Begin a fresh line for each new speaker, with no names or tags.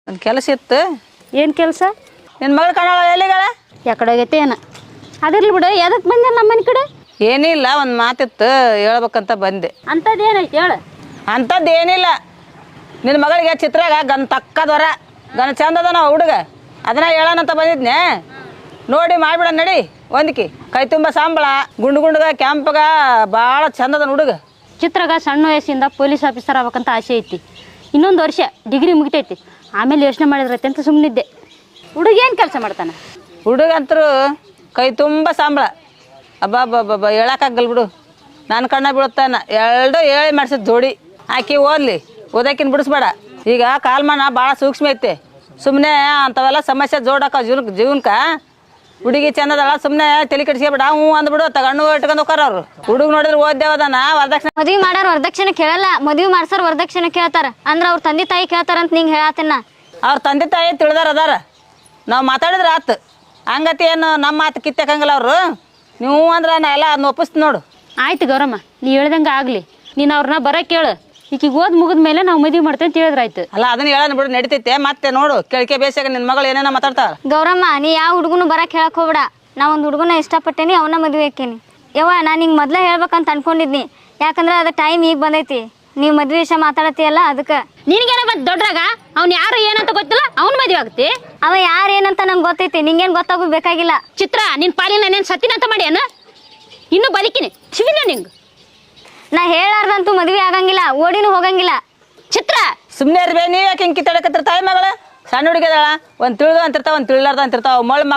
ಒಂದು ಕೆಲಸ ಇತ್ತು.
ಏನು ಕೆಲಸ?
ನಿನ್ನ ಮಗಳು ಕಾಣಲ್ಲ ಎಲ್ಲಿಗಳ?
ಯಾಕಡೆ ಹೋಗೈತೆ ಏನ? ಅದಿರ್ಲಿ ಬಿಡು, ಎದಕ್ಕೆ ಬಂದೆ ನಮ್ಮ ಮನೆ ಕಡೆ?
ಏನಿಲ್ಲ, ಒಂದು ಮಾತಿತ್ತು ಹೇಳ್ಬೇಕಂತ ಬಂದೆ.
ಅಂಥದ್ದು ಏನೈತಿ ಹೇಳು.
ಅಂಥದ್ದು ಏನಿಲ್ಲ, ನಿನ್ನ ಮಗಳಿಗೆ ಚಿತ್ರಾಗ ಗನ್ ತಕ್ಕದವರ ಗನ್ ಚಂದದ ನಾವು ಹುಡುಗ ಅದನ್ನ ಹೇಳೋಣಂತ ಬಂದಿದ್ನೆ. ನೋಡಿ ಮಾಡಿಬಿಡ ನಡಿ. ಒಂದಕಿ ಕೈ ತುಂಬ ಸಂಬಳ, ಗುಂಡು ಗುಂಡಗ ಕ್ಯಾಂಪ್ಗ ಭಾಳ ಚಂದದ ಹುಡುಗ.
ಚಿತ್ರಗ ಸಣ್ಣ ವಯಸ್ಸಿಂದ ಪೊಲೀಸ್ ಆಫೀಸರ್ ಆಗ್ಬೇಕಂತ ಆಸೆ ಐತಿ. ಇನ್ನೊಂದು ವರ್ಷ ಡಿಗ್ರಿ ಮುಗಿತೈತಿ, ಆಮೇಲೆ ಯೋಚನೆ ಮಾಡಿದ್ರೈತೆ ಅಂತ ಸುಮ್ಮನಿದ್ದೆ. ಹುಡುಗ ಏನು ಕೆಲಸ ಮಾಡ್ತಾನೆ?
ಹುಡುಗಂತರು ಕೈ ತುಂಬ ಸಂಬಳ. ಅಬ್ಬಬ್ಬಬ್ಬ ಹೇಳಕ್ಕಾಗಲ್ಲ ಬಿಡು, ನನ್ನ ಕಣ್ಣ ಬೀಳುತ್ತಾನ. ಎರಡು ಹೇಳಿ ಮಾಡಿಸಿದ ಜೋಡಿ. ಆಕಿ ಓದ್ಲಿ, ಓದಕ್ಕಿನ ಬಿಡಿಸ್ಬೇಡ. ಈಗ ಕಾಲ್ಮಾನ ಭಾಳ ಸೂಕ್ಷ್ಮ ಐತೆ. ಸುಮ್ಮನೆ ಅಂಥವೆಲ್ಲ ಸಮಸ್ಯೆ ಜೋಡಕ್ಕ ಜೀವನಕ್ಕೆ. ಹುಡುಗಿ ಚಂದದಲ್ಲ, ಸುಮ್ಮನೆ ತಲೆ ಕೆಡಿಸ್ಕೊಬೇಡ. ಹ್ಞೂ ಅಂದ್ಬಿಡು, ತಗೊಂಡು ಇಟ್ಕೊಂಡು ಹೋಗಾರ ಅವ್ರು. ಹುಡುಗ ನೋಡಿದ್ರೆ ಓದ್ದೇವದನ ವರದಕ್ಷಿಣೆ.
ಮದ್ವಿ ಮಾಡೋರು ವರದಕ್ಷಿಣೆ ಕೇಳಲ್ಲ, ಮದ್ವಿ ಮಾಡ್ಸೋರು ವರದಕ್ಷಿಣೆ ಕೇಳ್ತಾರ. ಅಂದ್ರೆ ಅವ್ರ ತಂದೆ ತಾಯಿ ಕೇಳ್ತಾರಂತ ನಿಂಗೆ ಹೇಳತ್ತೇನ.
ಅವ್ರ ತಂದೆ ತಾಯಿ ತಿಳಿದಾರ ಅದಾರ. ನಾವು ಮಾತಾಡಿದ್ರೆ ಆತು. ಹಂಗತಿ ಏನು ನಮ್ಮ ಮಾತು ಕಿತ್ತಕ್ಕಂಗಿಲ್ಲ ಅವರು. ನೀವು ಅಂದ್ರೆ ನಾ ಎಲ್ಲ ಅದನ್ನ ಒಪ್ಪಿಸ್ತೀನಿ ನೋಡು.
ಆಯ್ತು ಗೌರಮ್ಮ, ನೀ ಹೇಳ್ದಂಗೆ ಆಗಲಿ. ನೀನು ಅವ್ರನ್ನ ಬರೋ ಕೇಳು. ಈಕಿಗೆ ಓದ್ ಮುಗಿದ ಮೇಲೆ ನಾವು ಮದುವೆ ಮಾಡ್ತೇವೆ ಅಂತ ಹೇಳಿದ್ರಾಯ್ತು.
ಅಲ್ಲ ಅದನ್ನ ಹೇಳೋಣ ಬಿಡು, ನಡಿತೈತೆ. ಮತ್ತೆ ನೋಡು ಕೇಳಿಕೆ ಬೇಸಾಗ ನಿನ್ನ ಮಗಳು ಏನೇನೋ ಮಾತಾಡ್ತಾಳ.
ಗೌರಮ್ಮ, ನೀ ಯಾವ ಹುಡುಗನು ಬರಕ್ಕೆ ಹೇಳಕ್ ಹೋಗ್ಬೇಡ. ನಾ ಒಂದು ಹುಡುಗನ ಇಷ್ಟಪಟ್ಟೇನಿ, ಅವನ ಮದುವೆ ಹಾಕೇನಿ. ಯವ್ವ, ನಾನು ಹಿಂಗೆ ಮೊದಲೇ ಹೇಳ್ಬೇಕಂತ ಅನ್ಕೊಂಡಿದ್ನಿ. ಯಾಕಂದ್ರೆ ಅದು ಟೈಮ್ ಈಗ ಬಂದೈತಿ. ನೀವು ಮದುವೆ ವಿಷಯ ಮಾತಾಡತ್ತೀಯಲ್ಲ, ಅದಕ್ಕೆ.
ನಿನಗೇನ ಬಂತು ದೊಡ್ಡರಾಗ? ಅವ್ನು ಯಾರು ಏನಂತ ಗೊತ್ತಿಲ್ಲ, ಅವ್ನ ಮದುವೆ ಆಗುತ್ತೆ.
ಅವ ಯಾರು ಏನಂತ ನಂಗೆ ಗೊತ್ತೈತಿ, ನಿಂಗೇನು ಗೊತ್ತಾಗೋದು ಬೇಕಾಗಿಲ್ಲ.
ಚಿತ್ರ, ನಿನ್ನ ಪಾಲಿನ ನಾನೇನು ಸತ್ತಿನಂತ ಮಾಡ್ಯಾನ? ಇನ್ನೂ ಬದುಕಿನಿ ಶಿವಿನ ನಿಂಗೆ.
ನಾ ಹೇಳಾರ್ದಂತೂ ಮದುವೆ ಆಗಂಗಿಲ್ಲ, ಓಡಿನೂ ಹೋಗಂಗಿಲ್ಲ.
ಚಿತ್ರ,
ಸುಮ್ಮನೆ ಇರ್ಬೇ. ನೀವು ಯಾಕೆ ಹಿಂಗೆ ಕಿತ್ತಾಡಕತ್ತಿರ್ತಾವ ಮಗಳ? ಸಣ್ಣ ಹುಡುಗಿದಾಳ, ಒಂದು ತಿಳಿದು ಅಂತಿರ್ತಾವ, ಒಂದು ತಿಳಿಲಾರ್ದ ಅಂತಿರ್ತಾವ. ಮಳ